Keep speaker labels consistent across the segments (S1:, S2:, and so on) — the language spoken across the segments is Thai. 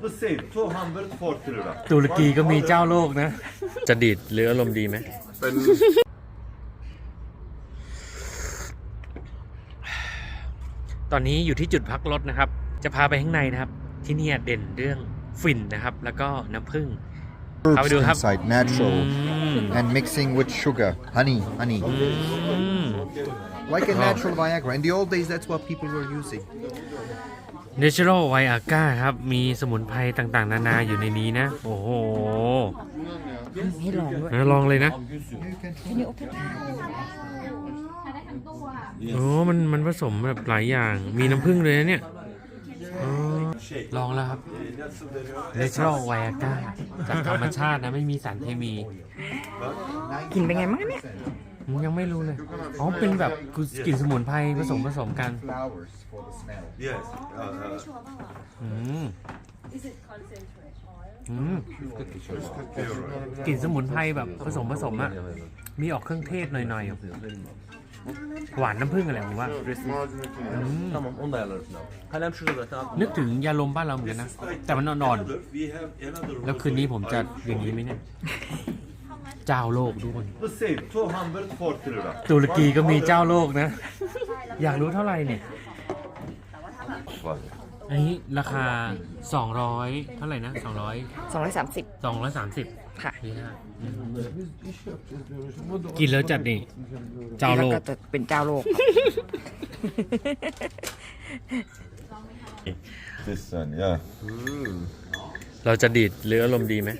S1: The same 240 lira.
S2: ตุรกีก็มีเจ้าโลกนะ จะดีดหรืออารมณ์ดีไหมตอนนี้อยู่ที่จุดพักรถนะครับ จะพาไปข้างในนะครับ ที่นี่เด่นเรื่องฝิ่นนะครับ แล้วก็น้ำผึ้งเอาไปดูครับ
S3: inside natural and mixing with sugar, honey. Like a natural Viagra. In the old days, that's what people were using.
S2: Natural Viagra ครับ มีสมุนไพรต่างๆ นานาอยู่ในนี้นะ โอ้โหให้ลองด้วยลองเลยนะโอ้มันผสมแบบหลายอย่าง มีน้ำผึ้งเลยนะเนี่ยลองแล้วครับ Natural Viagra จากธรรมชาตินะ ไม่มีสารเคมี
S4: กลิ่นเป็นไงมั้งเนี่ย
S2: ยังไม่รู้เลย อ๋อ เป็นแบบกลิ่นสมุนไพรผสมกัน
S3: Flowers for the smell.
S1: Yes.
S2: กลิ่นสมุนไพรแบบผสมอะมีออกเครื่องเทศหน่อยๆ หวานน้ำผึ้งอะไรผมว่า
S5: Tamam onu da ayarlarız. Kalem şurada zaten.
S2: นึกถึงยาลมบ้านเราเหมือนกันนะ แต่มันอ่อน
S1: We have another
S2: ๆ แล้วคืนนี้ผมจะอย่างนี้ไหมเนี่ย เจ้าโลกทุกคน
S1: the same 240 lira.
S2: ตุรกีก็มีเจ้าโลกนะ อยากรู้เท่าไหร่เนี่ย อันนี้ราคา 200 เท่าไหร่นะ
S4: 230
S2: 230
S4: ค่ะ
S2: กินแล้วจัดนี่ เจ้า
S4: แล้
S2: โล
S4: ว
S2: ก
S4: ก็จะเป็นเจ้าโลก
S1: This one, yeah.
S2: เราจะดีดหรืออารมณ์ดีไหม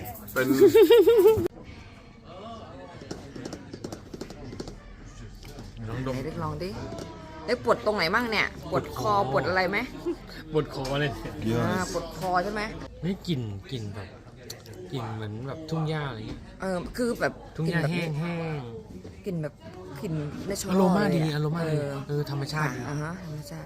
S4: ไหนเล็กลองดิเล็กปวดตรงไหนมั่งเนี่ย ปวดคอปวดอะไรไหม
S2: ปวดคอเลย
S4: ปวดคอใช่ไหม
S2: ไม่กลิ่นแบบกลิ่นเหมือนแบบทุ่งหญ้าอะไรเงี้ย
S4: คือแบบ
S2: ทุ่งหญ้าแห้ง
S4: กลิ่นแบบกลิ่นในช
S2: ๆอารมณ์ดีอารมณ์ดีธรรมชาติ
S4: ธรรมชาติ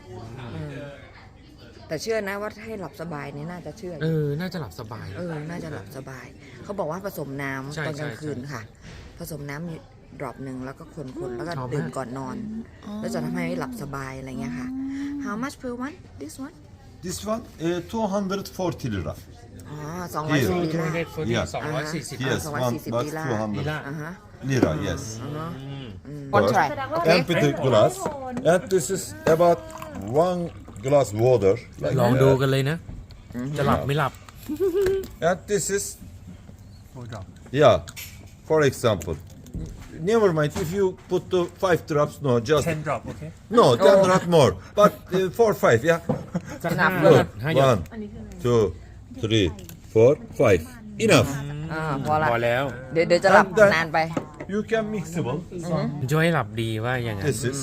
S4: แต่เชื่อนะว่าให้หลับสบายเนี่ยน่าจะเชื่อ
S2: น่าจะหลับสบาย
S4: น่าจะหลับสบาย เขาบอกว่าผสมน้
S2: ใช่
S4: ำตอนกลางคืน
S2: ใช่
S4: ค่ะ ผสมน้ำมีดรอปหนึ่งแล้วก็คนแล้วก็
S2: ชอบมาก
S4: ดื่มก่อนนอน แล้วจะทำให้หลับสบายอะไรเงี้ยค่ะ How much per one this one
S1: This one 240 lira.
S4: อ๋อ
S1: Here.
S4: 240ลีลา
S1: Yeah.
S2: 240
S1: Yes,
S4: 240
S1: one but
S4: lira.
S1: 200
S4: อ่าฮะ
S1: lira. Yes.
S4: One try okay
S1: Empty glass, and this is about 1 glass water. Like
S2: ลองดู
S1: that.
S2: กันเลยนะ จะหลับไม่หลับ
S1: And this is, yeah, for example. Never mind if you put the 5 drops. No, just
S2: 10 drop โอเค
S1: no, 10 not more. But 4, 5. Yeah.
S2: จะ
S4: นับ
S1: Good.
S2: ให้หยด
S1: 1, 2, 3, 4, 5. Enough.
S4: พอละ
S2: พอแล้ว
S4: เดี๋ยวจะหลับนานไป
S1: You can mixable.
S2: ช่วยให้หลับดีว่าอย่างนั้น
S1: This is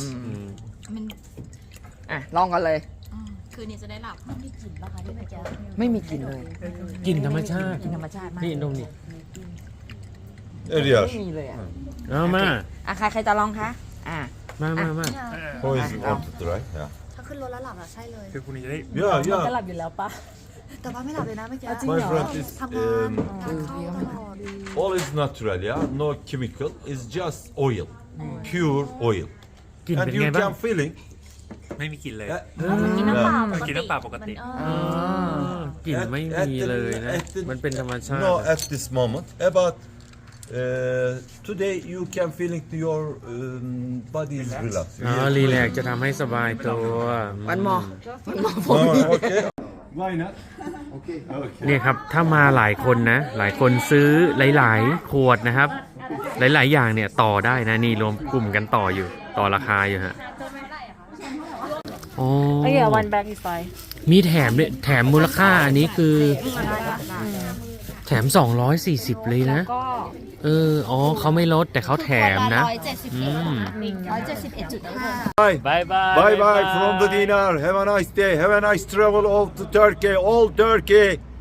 S4: ลองกันเลย
S6: คืนนี้จะได้หลับไม่มีกลิ่นป่ะคะที่เมื่อกี้
S4: ไม่มีกลิ่นเลย
S2: กลิ่นธรรมชาติ
S4: กลิ่นธรรมชาติมาก
S2: นี่ตรงนี้
S1: area.
S4: ไม่มีเลยอ่ะ
S2: เอามา
S4: ใครจะลองคะ
S2: มา
S1: Who is want to try? Yeah.
S6: ถ้าขึ้นรถแล้วหลับอะใช่เลย
S1: Yeah,
S6: จะ
S1: yeah.
S6: หลับอยู่แล้วปะแต่ว่าไม่หลับเลยนะเมื่อกี้
S1: My friend is
S6: ทำงานงานเข้าตลอด
S1: all is natural. Yeah, no chemical. It's just oil, pure oil.
S2: กลิ่น
S1: And
S2: เป็น
S1: you
S2: ไงบ้าง
S1: can feeling.
S2: ไม่มีกลิ่นเลย
S6: กินน้ำเปล่า
S2: กินน้ำเปล่าปกติ กลิ่นไม่มีเลยนะ มันเป็นธรรมชาติ
S1: No, at this moment. About today you can feeling your body is relaxed.
S2: รีแลกซ์จะทำให้สบายตัว
S4: วันมอ
S1: Okay. Why not?
S2: เนี่ยครับ ถ้ามาหลายคนนะ หลายคนซื้อหลายๆ ขวดนะครับ หลายๆ อย่างเนี่ยต่อได้นะ นี่รวมกลุ่มกันต่ออยู่ ต่อราคาอยู่ฮะโอ้
S6: one bag is fine
S2: มีแถมด้วยแถมมูลค่าอันนี้คือ แถม 240 เลยนะ เขาไม่ลดแต่เขาแถมนะ
S6: 171.5
S2: บายบาย
S1: Bye bye from the dinner. Have a nice day. Have a nice travel of the Turkey. All Turkey.